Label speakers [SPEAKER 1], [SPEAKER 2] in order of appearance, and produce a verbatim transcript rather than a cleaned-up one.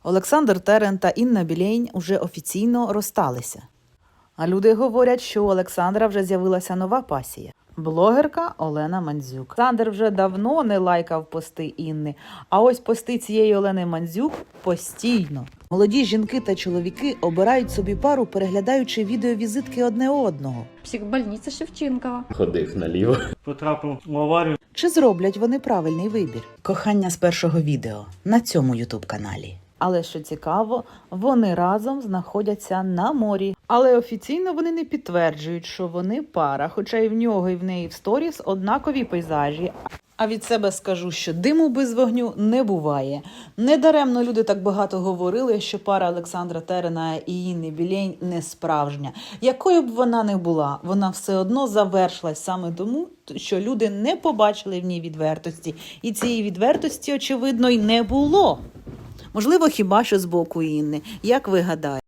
[SPEAKER 1] Олександр Терен та Інна Білейн уже офіційно розсталися. А люди говорять, що у Олександра вже з'явилася нова пасія – блогерка Олена Мандзюк. Олександр вже давно не лайкав пости Інни, а ось пости цієї Олени Мандзюк постійно. Молоді жінки та чоловіки обирають собі пару, переглядаючи відеовізитки одне одного.
[SPEAKER 2] Психбольниця Шевченкова.
[SPEAKER 3] Ходив наліво.
[SPEAKER 4] Потрапив в аварію.
[SPEAKER 1] Чи зроблять вони правильний вибір? Кохання з першого відео на цьому ютуб-каналі. Але що цікаво, вони разом знаходяться на морі. Але офіційно вони не підтверджують, що вони пара, хоча і в нього, і в неї в сторіс однакові пейзажі. А від себе скажу, що диму без вогню не буває. Недаремно люди так багато говорили, що пара Олександра Терена і Інни Білейн не справжня. Якою б вона не була, вона все одно завершилась саме тому, що люди не побачили в ній відвертості. І цієї відвертості, очевидно, й не було. Можливо, хіба що з боку Інни. Як ви гадаєте?